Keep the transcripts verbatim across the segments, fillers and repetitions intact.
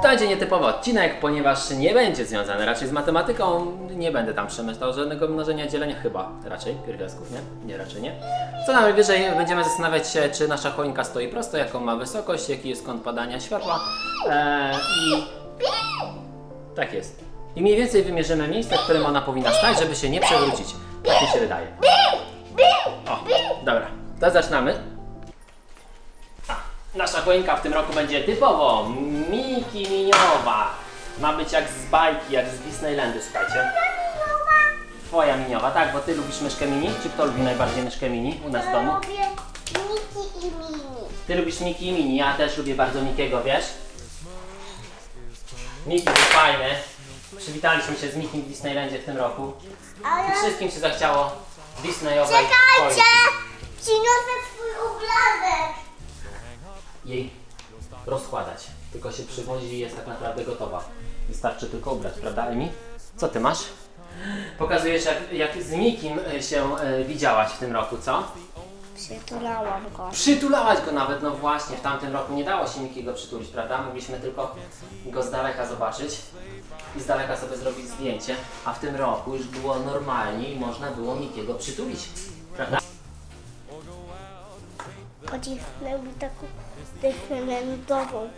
będzie nietypowy odcinek, ponieważ nie będzie związany raczej z matematyką. Nie będę tam przemyślał żadnego mnożenia, dzielenia, chyba raczej pierwiastków, nie? Nie, raczej nie. Co najwyżej będziemy zastanawiać się, czy nasza choinka stoi prosto, jaką ma wysokość, jaki jest kąt padania światła eee, i... Tak jest. I mniej więcej wymierzymy miejsce, w którym ona powinna stać, żeby się nie przewrócić. Tak mi się wydaje. O, dobra, to zaczynamy. A, nasza choinka w tym roku będzie typowo Miki Miniowa. Ma być jak z bajki, jak z Disneylandu, słuchajcie. Twoja miniowa, tak, bo ty lubisz myszkę mini? Czy kto lubi najbardziej myszkę mini u nas w domu? Lubię Miki i Mini. Ty lubisz Miki i Mini, ja też lubię bardzo Mikiego, wiesz? Miki był fajny. Przywitaliśmy się z Mikim w Disneylandzie w tym roku. Ale... I wszystkim się zachciało Disneyowej Czekajcie! choinki. Przyniosę swój obrazek. Jej rozkładać. Tylko się przywozi i jest tak naprawdę gotowa. Wystarczy tylko ubrać, prawda Emi? Co ty masz? Pokazujesz jak, jak z Mikim się e, widziałaś w tym roku, co? Przytulałam go. Przytulałaś go nawet, no właśnie, w tamtym roku nie dało się Mikiego przytulić, prawda? Mogliśmy tylko go z daleka zobaczyć i z daleka sobie zrobić zdjęcie, a w tym roku już było normalnie i można było Mikiego przytulić, prawda? Pocisnę mi taką dyfrendową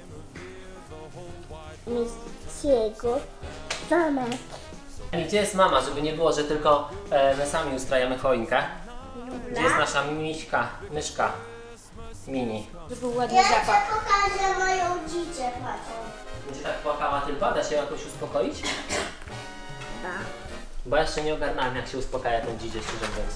Mikiego zamek. I gdzie jest mama, żeby nie było, że tylko e, my sami ustrajamy choinkę? Gdzie jest nasza miśka, myszka mini? Żeby był ładny Ja zapach. ci pokażę moją dziecię, patrzą. Będzie tak płakała tylko? Da się jakoś uspokoić? Da. Bo ja jeszcze nie ogarnąłem, jak się uspokaja ten dzidzie, szczerze mówiąc.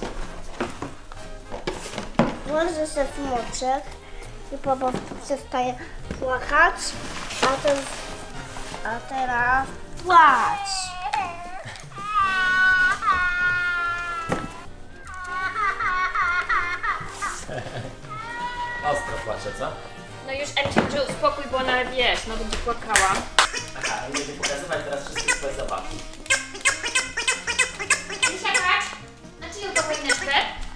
Włożę się w moczek i po prostu przestaje płakać, a, ten, a teraz płacz. Ostro płacze, co? No już Em się może uspokój, bo ona, wiesz, no będzie płakała. Aha, i będzie pokazywać teraz wszystkie swoje zabawki. Misia, patrz! Na czyją to choineczkę?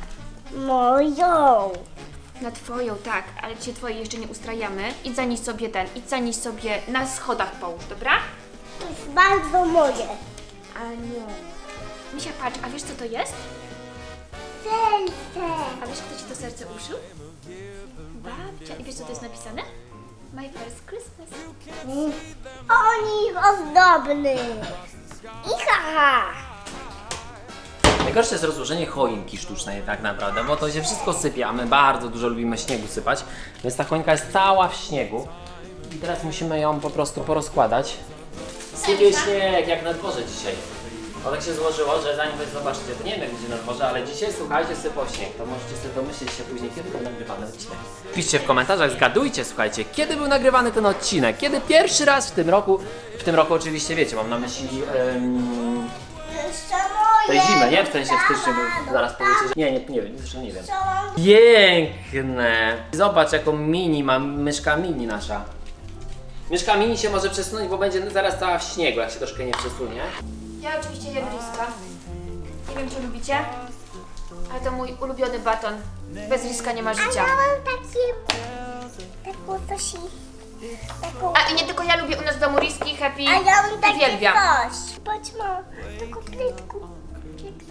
Moją. Na twoją, tak, ale dzisiaj twojej jeszcze nie ustrajamy. Idź zanieś sobie ten, idź zanieś sobie na schodach połóż, dobra? To jest bardzo moje. A nie. Misia, patrz, a wiesz co to jest? Serce. A wiesz kto ci to serce uszył? Babcia. I wiesz co to jest napisane? My first Christmas. Oni ozdobny. I haha. Najgorsze jest rozłożenie choinki sztucznej tak naprawdę, bo to się wszystko sypie, a my bardzo dużo lubimy śniegu sypać, więc ta choinka jest cała w śniegu i teraz musimy ją po prostu porozkładać. Sypie śnieg jak na dworze dzisiaj. O tak się złożyło, że zanim wy zobaczycie, to nie wiem jak będzie na dworze, ale dzisiaj słuchajcie, sypał śnieg, to możecie sobie domyślić się później, kiedy był nagrywany odcinek. Piszcie w komentarzach, zgadujcie, słuchajcie, kiedy był nagrywany ten odcinek, kiedy pierwszy raz w tym roku, w tym roku oczywiście wiecie, mam na myśli um, Jeszcze moje. tej zimy, nie? W sensie w styczniu, bo zaraz powiecie, że nie, nie, nie wiem, zresztą nie wiem. Piękne! Zobacz jaką mini ma myszka mini nasza. Myszka mini się może przesunąć, bo będzie zaraz cała w śniegu, jak się troszkę nie przesunie. Ja oczywiście jem riska. Nie wiem czy lubicie, ale to mój ulubiony baton. Bez riska nie ma A życia. ja mam takie... taką coś... Taką... A i nie tylko ja lubię u nas w domu riski, happy, A ja mam takie uwielbiam. coś. Patrz, mam taką plitku. Piękna.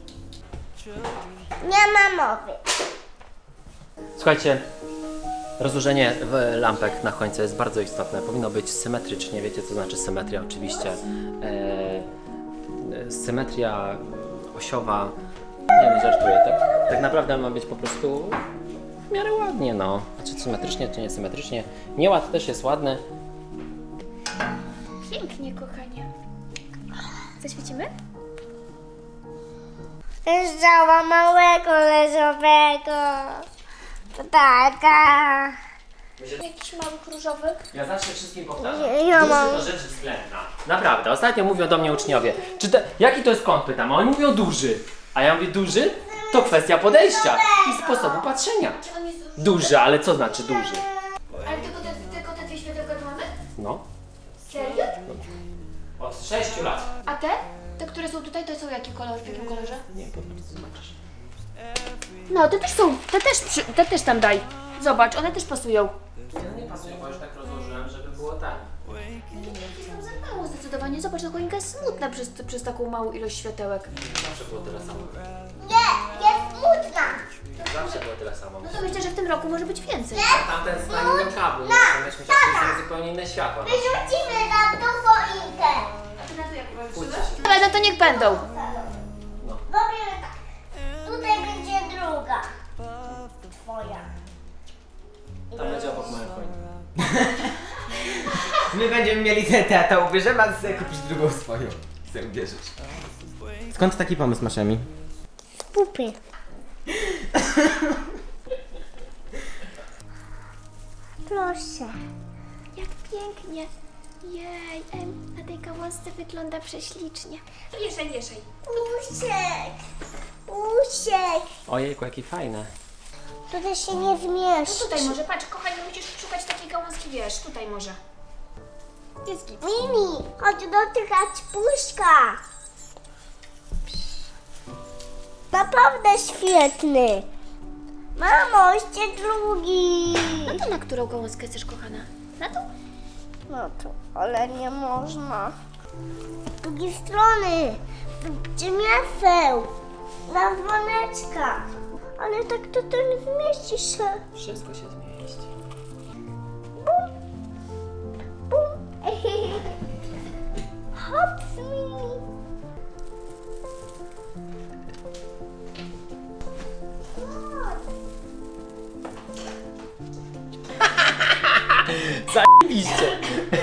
Nie ma mowy. Słuchajcie, rozłożenie w lampek na choince jest bardzo istotne. Powinno być symetrycznie. Wiecie co znaczy symetria oczywiście. E, symetria osiowa. Nie wiem, żartuję. Tak, tak naprawdę ma być po prostu w miarę ładnie, no. Czy symetrycznie, czy niesymetrycznie. Nieład też jest ładny. Pięknie, kochanie. Zaświecimy? Leżała małego leżowego. Ptaka. Jakiś małych różowych. Ja zawsze wszystkim powtarzam. Nie, ja Duży mam- to rzecz względna. Naprawdę. Ostatnio mówią do mnie uczniowie. Czy te, jaki to jest kąt, pytam, a oni mówią duży. A ja mówię duży? To kwestia podejścia i sposobu patrzenia. Czy on jest duży? Duży, ale co znaczy duży? Ale tylko te, tylko te dwie światełka tu mamy? No. Serio? Od sześciu lat. A te? Te, które są tutaj, to są jaki kolor? W jakim kolorze? Nie, potem zobaczysz. No, te też są, te też, przy, te też tam daj. Zobacz, one też pasują. Nie, no nie pasuje, bo już tak rozłożyłem, żeby było tak. Za mało zdecydowanie. Zobacz, ta choinka jest smutna przez, przez taką małą ilość światełek. Zawsze było tyle samo. Nie, jest smutna. Zawsze było tyle samo. No to myślę, że w tym roku może być więcej. Tamten z nami kablu, myśmy chcieli zupełnie inne światła. Wyrzucimy nam tą choinkę. A ty na to jak Pójdźcie. Ale no to niech będą. No. Robimy tak. Tutaj będzie druga. Twoja. Tam będzie obok mojej choinki. My będziemy mieli te, te, to ubierzemy, a ty sobie kupisz drugą swoją. Chcę ubierzesz. Skąd taki pomysł masz, Emi? Pupy. Proszę. Jak pięknie. Jej, em, na tej gałązce wygląda prześlicznie. Wieszaj, wieszaj. Usiek. Usiek. Ojejku, jakie fajne. Tutaj się nie No zmieści. tutaj może, patrz, kochanie, musisz szukać takiej gałązki, wiesz, tutaj może. Jest git. Mimi, chodź dotykać puszka. Naprawdę świetny. Mamo, jeszcze drugi. No to na którą gałązkę chcesz, kochana? Na tą? No to, ale nie można. Z drugiej strony, gdzie miaseł, na dzwoneczkach. Ale tak to, to nie zmieści się. Wszystko się zmieści. Bum. Bum. Hops, Mimi. Zajebiście!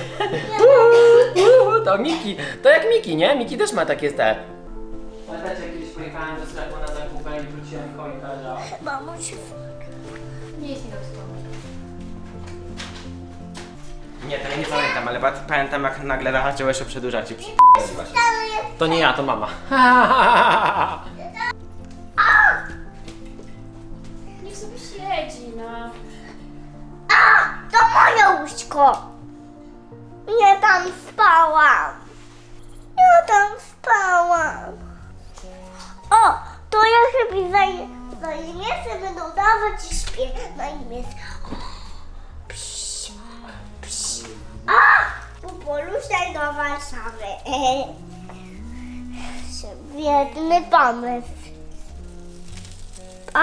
To Miki, to jak Miki, nie? Miki też ma takie te. Pamiętacie, jak kiedyś pojechałem do sklepu na zakupy i wróciłem choinkę, że... Mamuś, Nie jest mi do Nie, to ja nie pamiętam, ale pa- pamiętam jak nagle zaczęłeś o przedłużać i przy... To nie ja, to mama. Niech sobie siedzi, no. a, to moje łóżko. Nie tam spałam. Ja tam spałam. O, to ja chyba zaj, zajmiemy, będą dawać i śpię. Na imię jest... Psz, psz. A, popoluszaj do Warszawy. Świetny pomysł. A!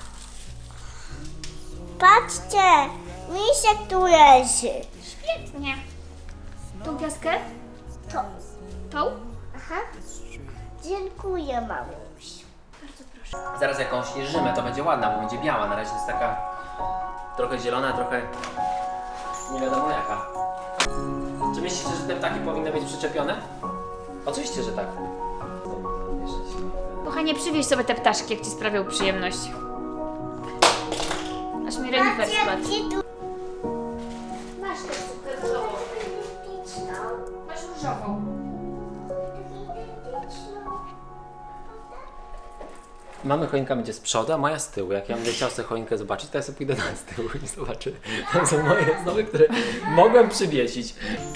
Patrzcie, misiek tu leży. Świetnie. Tą piaskę? To, Tą? aha. Dziękuję, mamuś. Bardzo proszę. Zaraz jakąś rzymę, to będzie ładna, bo będzie biała. Na razie jest taka trochę zielona, trochę nie wiadomo jaka. Czy myślicie, że te ptaki powinny być przyczepione? Oczywiście, że tak. Kochanie, przywieź sobie te ptaszki, jak ci sprawią przyjemność. Aż mi renifer spadł. Gdzie tu? Masz też super różową. Masz różową. Mamy choinka będzie z przodu, a moja z tyłu. Jak ja będę chciał sobie choinkę zobaczyć, to ja sobie pójdę na z tyłu i zobaczę. Tam są moje znowu, które mogłem przywiesić.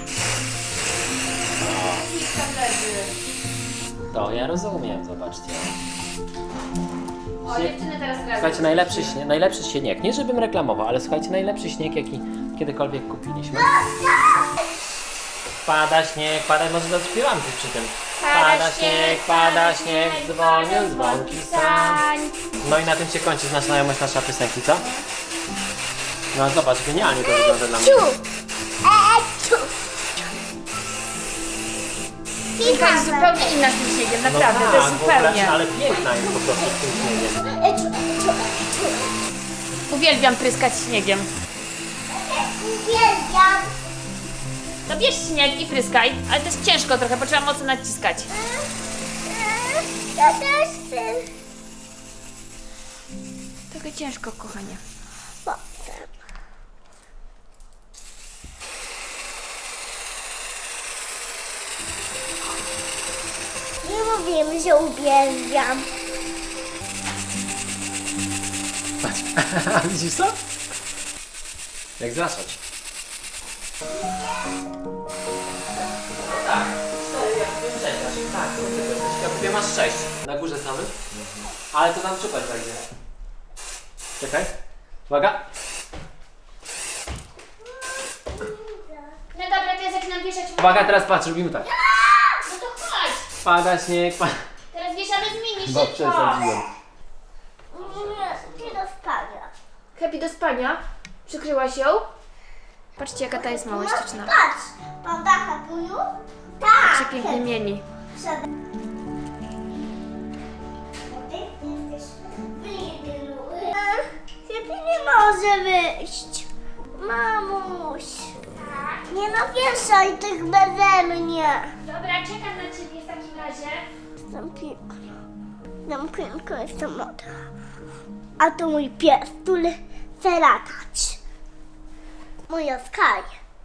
To ja rozumiem, zobaczcie. O, dziewczyny teraz razem. Słuchajcie, najlepszy, śnie, najlepszy śnieg, nie żebym reklamował, ale słuchajcie, najlepszy śnieg, jaki kiedykolwiek kupiliśmy. Pada śnieg, pada, może zaśpiewam coś przy tym. Pada śnieg, pada śnieg, dzwonią dzwonki sam. No i na tym się kończy nasza znajomość nasza piosenki, co? No zobacz, genialnie to wygląda dla mnie. Choinka jest zupełnie inna z tym śniegiem, naprawdę, no to jest tak, w ogóle, zupełnie. ale piękna jest po prostu z tym śniegiem. Uwielbiam pryskać śniegiem. Uwielbiam. To bierz śnieg i pryskaj, ale to jest ciężko trochę, bo trzeba mocno naciskać. Ja też chcę. Trochę ciężko, kochanie. Potem. Nie mówiłem, że uwielbiam. Patrz, widzisz to? Jak zraszać. Tak, cztery, ja kupiłem sześć, znaczy, tak, to ty jesteś. Ja kupiłem aż sześć na górze samym, ale to tam czupać będzie. Czekaj, uwaga. No dobra, to ja zaczynam wieszać. Uwaga, teraz patrz, robimy tak. No to chodź. Pada śnieg, pada... Teraz wieszamy z mini, Bo szybko. przesadziłem. Nie, nie do spania. Happy do spania. Przykryłaś ją? Patrzcie, jaka ta jest małościczna. Patrz, prawda, Hapuju? Tak. Się pięknie mieni. Przed... Ty jesteś w Lidlu. Happy nie może wyjść. Mamuś. Nie nawieszaj tych beze mnie. Dobra, czekam na ciebie w takim razie. Jestem piękna. Jestem piękna, jestem młoda. A to mój pies, który chce latać. Moja Sky.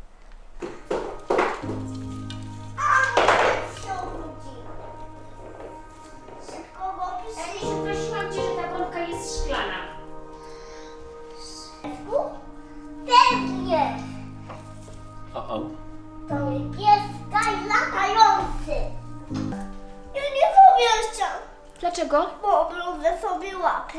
A, mój pies się obudził. Szybko go Emisiu, prosiłam cię, że ta bombka jest szklana. piesku? Pewnie. O, o. To mój pies Sky latający. Ja nie powieszam, Dlaczego? bo obludzę sobie łapy.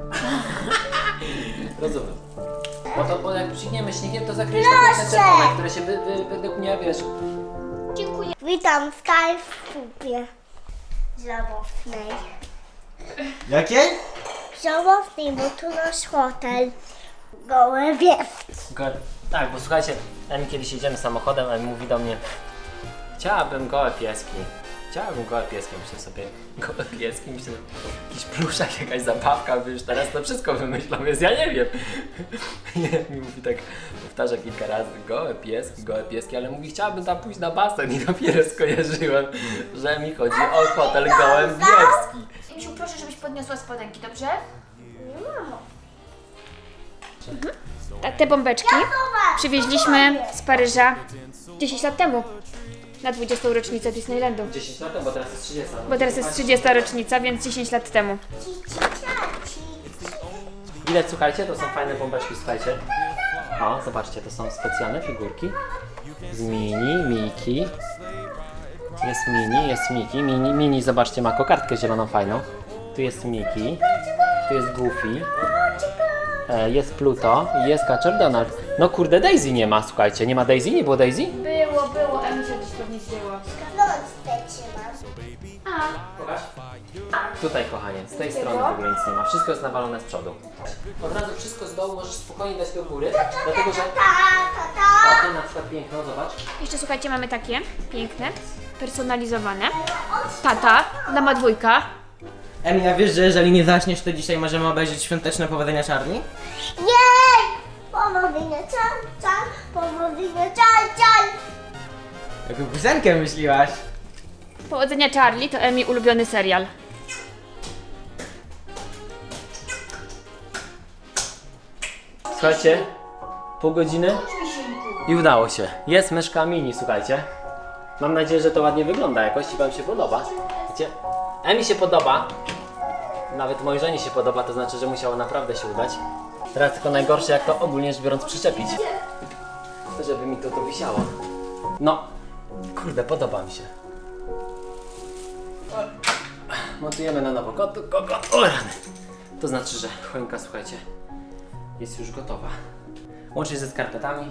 Rozumiem. Bo to, bo jak psikniemy śniegiem, to zakryjesz Proszę. te czerwone, które się wy, wy, według mnie, wiesz... Dziękuję. Witam Sky w kupie żałosnej. Jakiej? Żałosnej, bo tu nasz hotel. Gołe wieski. Go- Tak, bo słuchajcie, Emi kiedyś jedziemy samochodem, Emi mówi do mnie: chciałabym gołe pieski. Chciałabym gołe pieski, myślę sobie, gołe pieski, myślę, jakiś pluszak, jakaś zabawka, wiesz, teraz to wszystko wymyślą, więc ja nie wiem. I mi mówi tak, powtarza kilka razy, gołe pieski, gołe pieski, ale mówi, chciałabym tam pójść na basen i dopiero skojarzyłem, że mi chodzi o hotel Gołębiewski. Emisiu, proszę, żebyś podniosła spodenki, dobrze? Ta, te bombeczki przywieźliśmy z Paryża dziesięć lat temu. Na dwudziestą rocznicę Disneylandu. dziesięć lat temu, bo teraz jest trzydziesta. Bo teraz jest trzydziesta rocznica, więc dziesięć lat temu. Ile, słuchajcie, to są fajne bombeczki, słuchajcie. O, zobaczcie, to są specjalne figurki. Z Mini, Miki. Jest Mini, jest Miki. Mini, Mini, zobaczcie, ma kokardkę zieloną fajną. Tu jest Miki. Tu jest Goofy. E, jest Pluto i jest Kaczor Donald. No kurde, Daisy nie ma, słuchajcie. Nie ma Daisy? Nie było Daisy? Było, było, Emisia gdzieś pewnie zdjęła. Klątwę trzymam. A, Pokaż. Tutaj, kochanie, z tej strony w ogóle nic nie ma. Wszystko jest nawalone z przodu. Od razu wszystko z dołu możesz spokojnie dać do góry, dlatego że... Ta, ta, ta. O, tu na przykład piękno, zobacz. jeszcze słuchajcie, mamy takie piękne, personalizowane. Tata, dama dwójka. Emilia, wiesz, że jeżeli nie zaśniesz, to dzisiaj możemy obejrzeć świąteczne powodzenia Czarni? Jej! Powodzenia, czar, czar, powodzenia, czar, czar. Jaką piosenkę myśliłaś? Powodzenia Charlie to Emi ulubiony serial. Słuchajcie, pół godziny i udało się. Jest myszka mini, słuchajcie. Mam nadzieję, że to ładnie wygląda jakoś i wam się podoba. Wiecie, Emi się podoba. Nawet mojej żonie się podoba, to znaczy, że musiało naprawdę się udać. Teraz tylko najgorsze, jak to ogólnie rzecz biorąc przyczepić. To żeby mi to tu wisiało. No, kurde, podoba mi się. Montujemy na nowo kotu, koko, o rany. To znaczy, że choinka, słuchajcie, jest już gotowa. Łącznie ze skarpetami.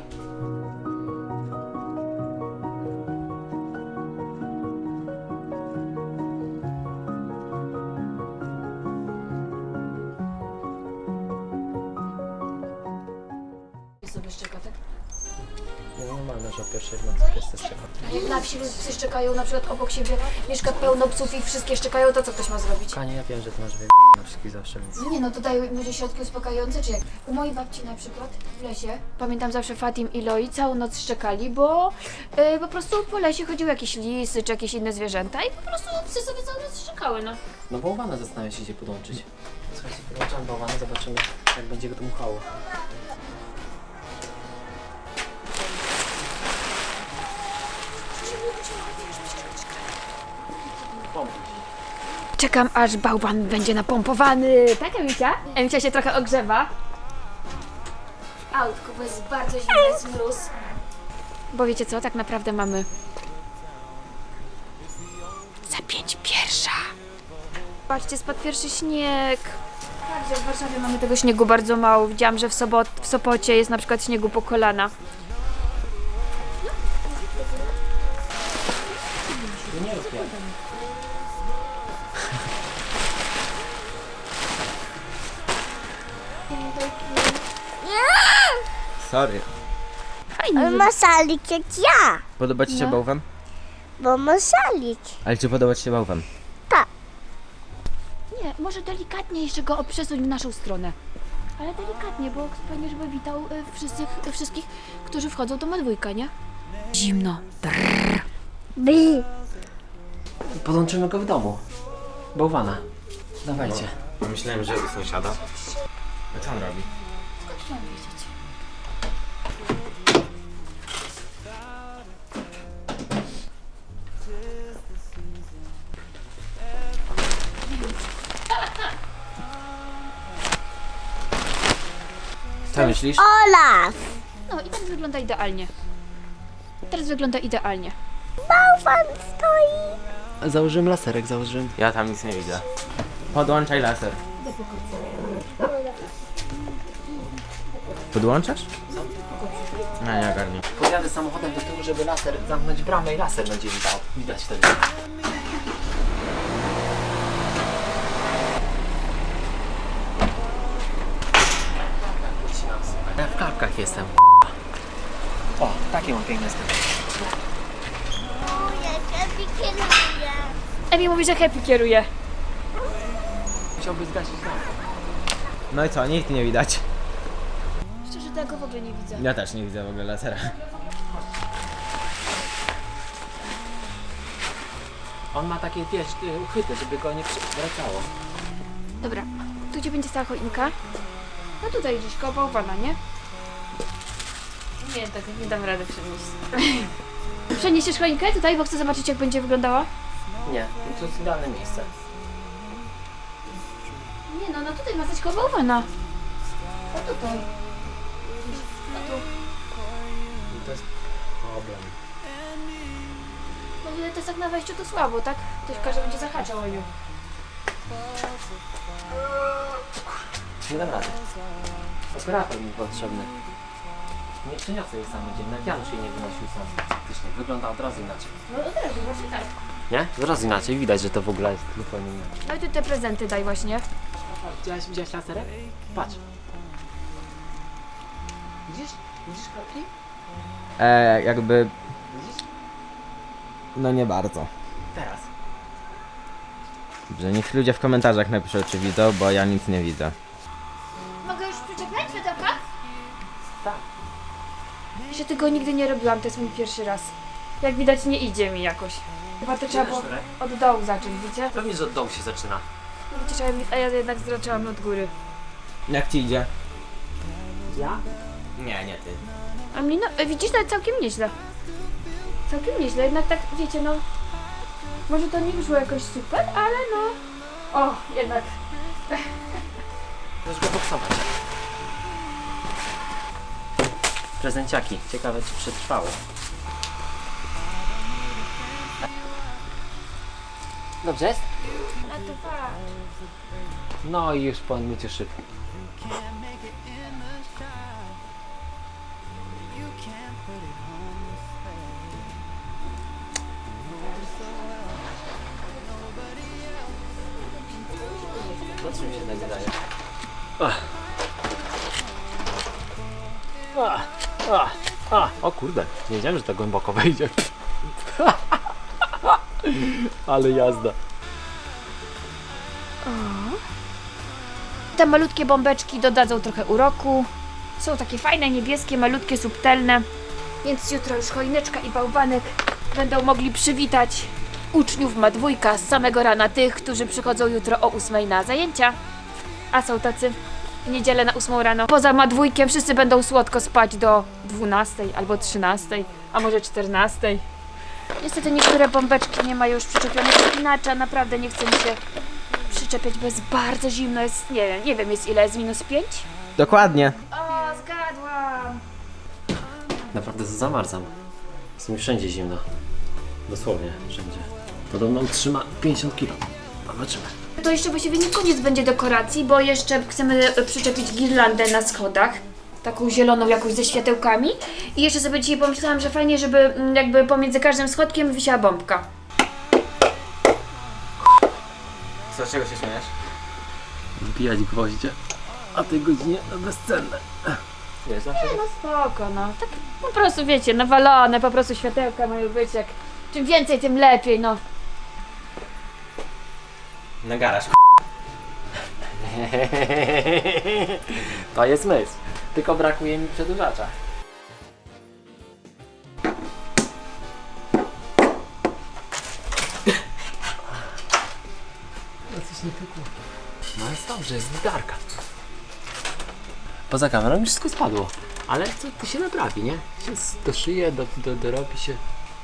Sobie szczeka, tak? Nie, normalne, że o pierwszej w nocy pies też czeka. A jak na wsi psy szczekają na przykład obok siebie, mieszka pełno psów i wszystkie szczekają, to co ktoś ma zrobić? Kanie, ja wiem, że ty masz wy... na wszystkich zawsze, więc... No nie no, tutaj może środki uspokajające, czy jak? U mojej babci na przykład w lesie, pamiętam zawsze Fatim i Loi całą noc szczekali, bo yy, po prostu po lesie chodziły jakieś lisy, czy jakieś inne zwierzęta i po prostu psy sobie całą noc szczekały, no. No bałwana zastanawia się, gdzie podłączyć. Słuchajcie, podłączam bałwana, zobaczymy, jak będzie go dmuchało. Czekam, aż bałwan będzie napompowany. Tak, Emicia? Emicia się trochę ogrzewa. Autko, bo jest bardzo zimny, jest mróz. Bo wiecie co, tak naprawdę mamy za pięć pierwsza. Patrzcie, spadł pierwszy śnieg. Tak, że w Warszawie mamy tego śniegu bardzo mało. Widziałam, że w, sobot, w Sopocie jest na przykład śniegu po kolana. Sorry. Fajnie. On ma szalik jak ja, Podoba ci się No. bałwan? bo ma szalik. Ale czy podoba ci się bałwan? Tak. Nie, może delikatnie jeszcze go przesuń w naszą stronę. Ale delikatnie, bo fajnie, żeby witał y, wszystkich, y, wszystkich, którzy wchodzą do Madwójka, nie? Zimno. By. Podłączymy go w domu. Bałwana. Dawajcie. Myślałem, że u sąsiada. A co on robi? Skąd mam wiedzieć? Co myślisz? Olaf. No i teraz wygląda idealnie. Teraz wygląda idealnie. Bałwan stoi. Założyłem laserek, założyłem. Ja tam nic nie widzę. Podłączaj laser. Podłączasz? No nie ogarnij. Podjadę samochodem do tyłu, żeby laser zamknąć bramę i laser będzie widał. Widać wtedy. Ja w klapkach jestem. O, takie mam piękne zdjęcie. O, jak kieruję. Emi mówi, że Happy kieruje. Chciałby zgasić lampę. No i co? Nic nie widać. Szczerze, tego w ogóle nie widzę. Ja też nie widzę w ogóle lasera. On ma takie, wiesz, y, uchwyty, żeby go nie przewracało. Dobra, tu gdzie będzie stała choinka? No tutaj gdzieś koło bałwana, nie? Nie, tak nie dam rady przenieść. Przeniesiesz choinkę tutaj, bo chcę zobaczyć, jak będzie wyglądała? Nie, to jest idealne miejsce. Nie no, no tutaj ma stać koło bałwana. O tutaj. No tu. I to jest problem. No ale to jest tak na wejściu to słabo, tak? Ktoś każe będzie zahaczał o nią. Nie dam rady. Operator mi potrzebny. Nie przeniosę jej samodzielnie, jak Janusz jej nie wynosił sam. Faktycznie, wygląda od razu inaczej. No od razu, właśnie tak. Nie? Od razu inaczej, widać, że to w ogóle jest zupełnie inaczej. Ale ty te prezenty daj właśnie. Widziałeś, widziałeś laserek? Patrz. Widzisz? Widzisz kropki? E, jakby... Widzisz? No nie bardzo. Teraz. Dobrze, niech ludzie w komentarzach napiszą, czy widzą, bo ja nic nie widzę. Mogę już przyczepiać światełka? Tak. Jeszcze tego nigdy nie robiłam, to jest mój pierwszy raz. Jak widać nie idzie mi jakoś. Chyba to trzeba było od dołu zacząć, widzicie? Pewnie, że od dołu się zaczyna. No widzicie, że ja- a ja jednak zaczęłam od góry. Jak ci idzie? Ja? Nie, nie ty. A mnie no, e, widzisz, to całkiem nieźle. Całkiem nieźle, jednak tak, wiecie, no... Może to nie wyszło jakoś super, ale no... O, jednak. Możesz go boksować. Prezenciaki. Ciekawe, czy przetrwało. Dobrze jest? A to fakt. No i już po myciu szyb. No co mi się tak wydaje? Ach. Ach, ach, ach. O kurde, nie wiedziałem, że tak głęboko wejdzie. Ale jazda. Te malutkie bombeczki dodadzą trochę uroku. Są takie fajne, niebieskie, malutkie, subtelne. Więc jutro już choineczka i bałwanek będą mogli przywitać uczniów Madwójka z samego rana, tych, którzy przychodzą jutro o ósmej na zajęcia. A są tacy w niedzielę na ósmą rano. Poza Madwójkiem wszyscy będą słodko spać do dwunastej albo trzynastej, a może czternastej. Niestety niektóre bombeczki nie mają już przyczepionych spinacza, naprawdę nie chcę mi się przyczepiać, bo jest bardzo zimno, jest, nie wiem, nie wiem jest ile, jest minus pięć? Dokładnie. O, zgadłam! Naprawdę zamarzam. Jest mi wszędzie zimno. Dosłownie wszędzie. Podobno utrzyma pięćdziesiąt kilo. Zobaczymy. To jeszcze właściwie nie koniec będzie dekoracji, bo jeszcze chcemy przyczepić girlandę na schodach. Taką zieloną jakąś ze światełkami. I jeszcze sobie dzisiaj pomyślałam, że fajnie, żeby mm, jakby pomiędzy każdym schodkiem wisiała bombka. Co, czego się śmiejesz? Wbijać gwoździe, a tej godzinie to bezcenne. Wiesz, zawsze No spoko, no. Tak po prostu, wiecie, nawalone, po prostu światełka mają być jak... Czym więcej, tym lepiej, no. Na garaż. To jest myśl. Tylko brakuje mi przedłużacza. No coś nie pykło. No jest dobrze, jest wydarka. Poza kamerą już wszystko spadło. Ale to, to się naprawi, nie? Się doszyje, do, do, dorobi się.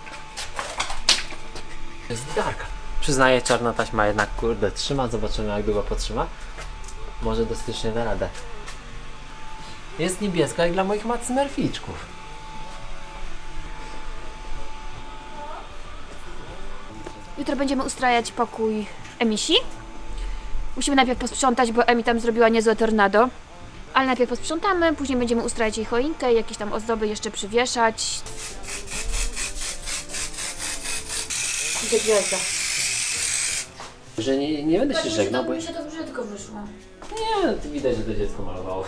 Jest wydarka. Przyznaję, czarna taśma jednak kurde trzyma. Zobaczymy jak długo potrzyma. Może do stycznia da radę. Jest niebieska jak dla moich macmerficzków. Jutro będziemy ustrajać pokój Emisi. Musimy najpierw posprzątać, bo Emi tam zrobiła niezłe tornado. Ale najpierw posprzątamy, później będziemy ustrajać jej choinkę, jakieś tam ozdoby jeszcze przywieszać. Gdzie gwiazda? Że nie, nie będę się żegnał, bo... mi się to brzydko wyszło. Nie, to widać, że to dziecko malowało.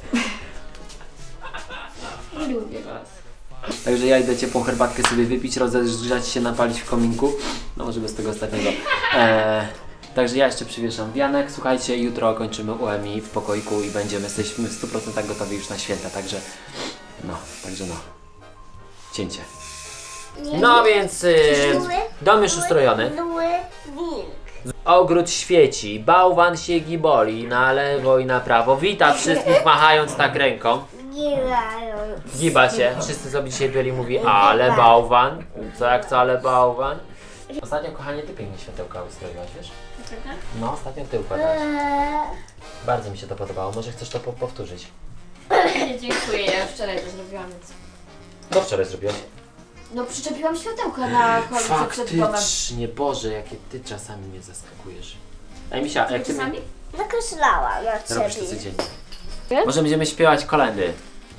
Nie lubię was. Także ja idę ciepłą herbatkę sobie wypić, rozgrzać się, napalić w kominku. No może bez tego ostatniego. Eee, także ja jeszcze przywieszam wianek. Słuchajcie, jutro kończymy u Emi w pokoiku i będziemy, jesteśmy w stu procentach gotowi już na święta, także no, także no. Cięcie. No więc yy, dom już ustrojony. Zły wilk. Ogród świeci, bałwan się giboli na lewo i na prawo. Wita wszystkich machając tak ręką. Gilają. Giba się. Wszyscy sobie dzisiaj byli mówi, ale bałwan. Co jak co, ale bałwan. Ostatnio, kochanie, ty pięknie światełka ustroiłaś, wiesz? No, ostatnio ty układałaś. Eee, Bardzo mi się to podobało. Może chcesz to po powtórzyć? Dziękuję, ja już wczoraj to zrobiłam, więc... No wczoraj zrobiłaś. No przyczepiłam światełka na choince przed domem. Faktycznie, Boże, jakie ty czasami mnie zaskakujesz. Ej, Misia, jak ty mi... Czasami? Nakreślałam na Robisz to ciebie. codziennie. Wiesz? Może będziemy śpiewać kolendy.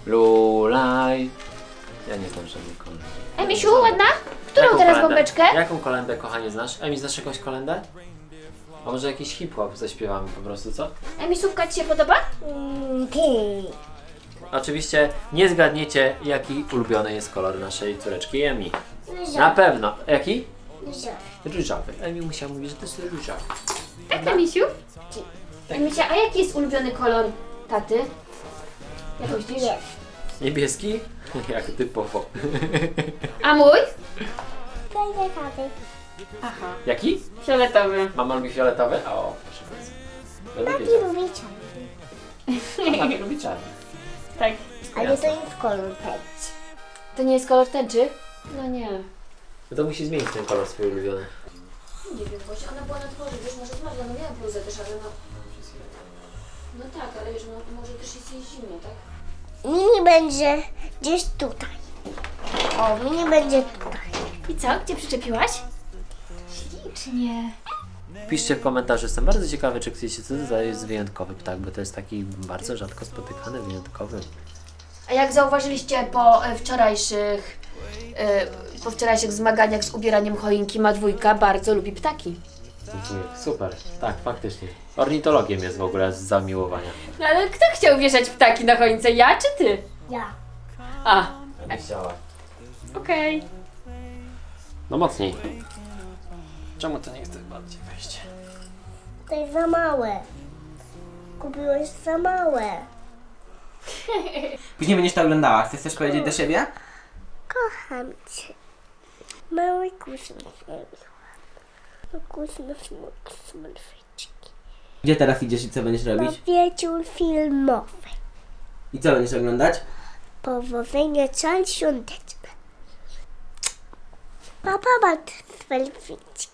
Lulaj. Ja nie znam żadnych kolęd. Emisiu, ładna? Którą Jaką teraz kolendę? bombeczkę? Jaką kolendę, kochanie, znasz? Emi, znasz jakąś kolendę? A może jakiś hip-hop zaśpiewamy po prostu, co? Emisówka ci się podoba? Mm, ty. Oczywiście nie zgadniecie, jaki ulubiony jest kolor naszej córeczki Emi. Na Różowy. pewno. Jaki? Różowy. Różowy. Emi musiała mówić, że to jest różowy. Tak, Emisiu? Emisia, a jaki jest ulubiony kolor taty? Jak myślisz? Nie. Niebieski? Jak typowo. A mój? Daj taty. Aha. Jaki? Fioletowy. Mama lubi fioletowy? O, proszę bardzo. Będę Taki wiedział. lubi czarny. A Mama lubi czarny. Tak. Ale to jest kolor pędź. To nie jest kolor tęczy? No nie. No to musi zmienić ten kolor swój ulubiony. Nie wiem, właśnie ona była na dworze, wiesz, może zmarła, no miała bluzę też, ale no... No tak, ale wiesz, no, może też jest jej zimno, tak? Mini będzie gdzieś tutaj. O, mini będzie tutaj. I co? Gdzie przyczepiłaś? Ślicznie. Piszcie w komentarzu, jestem bardzo ciekawy, czy chcecie, co to jest wyjątkowy ptak, bo to jest taki bardzo rzadko spotykany, wyjątkowy. A jak zauważyliście po e, wczorajszych, e, po wczorajszych zmaganiach z ubieraniem choinki, ma dwójka bardzo lubi ptaki. Dziękuję. Super, tak, faktycznie. Ornitologiem jest w ogóle z zamiłowania. No ale kto chciał wieszać ptaki na choince? Ja czy ty? Ja. A, Nie chciała. okej. No mocniej. Czemu to nie chce bardziej wejść? To jest za małe. Kupiłeś za małe. Później będziesz to oglądała. Chcesz coś powiedzieć do siebie? Kocham cię. Mały kusmysł. Kusmysł, kusmysłyczki. Gdzie teraz idziesz i co będziesz Na robić? wieczór filmowy. I co będziesz oglądać? Powodzenia czal świąteczne. Papa ma selfieczki.